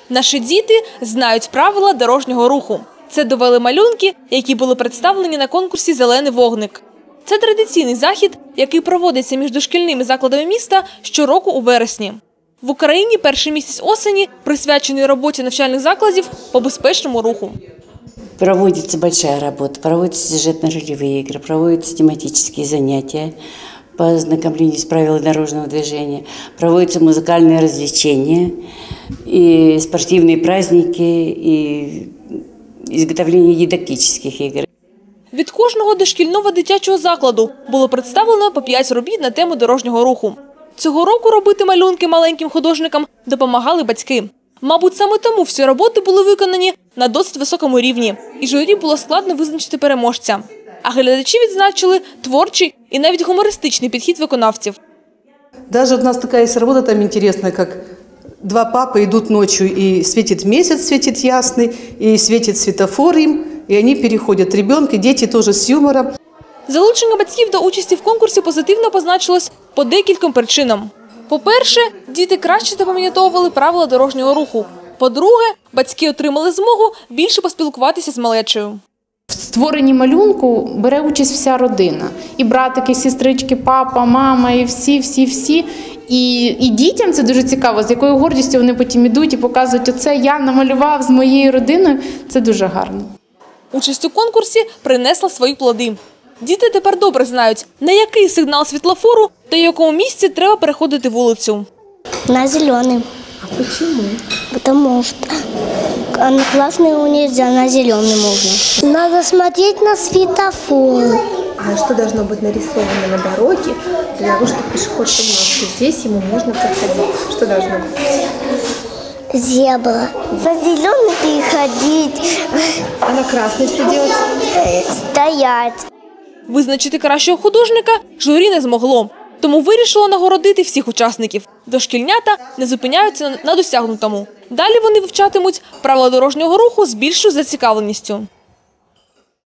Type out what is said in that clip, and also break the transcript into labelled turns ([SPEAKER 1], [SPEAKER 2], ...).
[SPEAKER 1] Наші діти знають правила дорожнього руху. Це довели малюнки, які були представлені на конкурсі «Зелений вогник». Це традиційний захід, який проводиться між дошкільними закладами міста щороку у вересні. В Україні перший місяць осені присвячений роботі навчальних закладів по безпечному руху.
[SPEAKER 2] Проводится большая работа, проводятся сюжетно-ролевые игры, проводятся тематические занятия по ознакомлению с правилами дорожного движения, проводятся музыкальные развлечения, и спортивные праздники, и изготовление дидактических игр.
[SPEAKER 1] Від кожного дошкільного дитячого закладу було представлено по 5 робіт на тему дорожнього руху. Цього року робити малюнки маленьким художникам допомагали батьки. Мабуть, саме тому всі роботи були виконані на досить високому рівні, і журі було складно визначити переможця. А глядачі відзначили творчий і навіть гумористичний підхід виконавців.
[SPEAKER 3] Даже у нас такая есть работа там интересная, как два папы идут ночью, и светит месяц, светит ясный, и светит светофор им, и они переходят. Ребенок и дети тоже с юмором.
[SPEAKER 1] Залучення батьків до участі в конкурсі позитивно позначилось по декільком причинам. По-перше, діти краще запам'ятовували правила дорожнього руху. По-друге, батьки отримали змогу більше поспілкуватися з малечею.
[SPEAKER 4] В створенні малюнку бере участь вся родина. І братики, і сестрички, папа, мама, і всі. І дітям це дуже цікаво, з якою гордістю вони потім ідуть і показують, оце я намалював з моєю родиною. Це дуже гарно.
[SPEAKER 1] Участь у конкурсі принесла свої плоди. Діти тепер добре знають, на який сигнал світлофору та в якому місці треба переходити вулицю.
[SPEAKER 5] На зеленый.
[SPEAKER 6] А почему?
[SPEAKER 5] Потому что на красный нельзя, на зеленый можно. Надо смотреть на светофор.
[SPEAKER 6] А что должно быть нарисовано на дороге для того, чтобы пешеход понимал, что здесь ему можно проходить? Что должно быть?
[SPEAKER 5] Зебра. На зеленый переходить.
[SPEAKER 6] А на красный что делать?
[SPEAKER 5] Стоять.
[SPEAKER 1] Визначити кращого художника журі не змогло, тому вирішило нагородити всіх учасників. Дошкільнята не зупиняються на досягнутому. Далі вони вивчатимуть правила дорожнього руху з більшою зацікавленістю.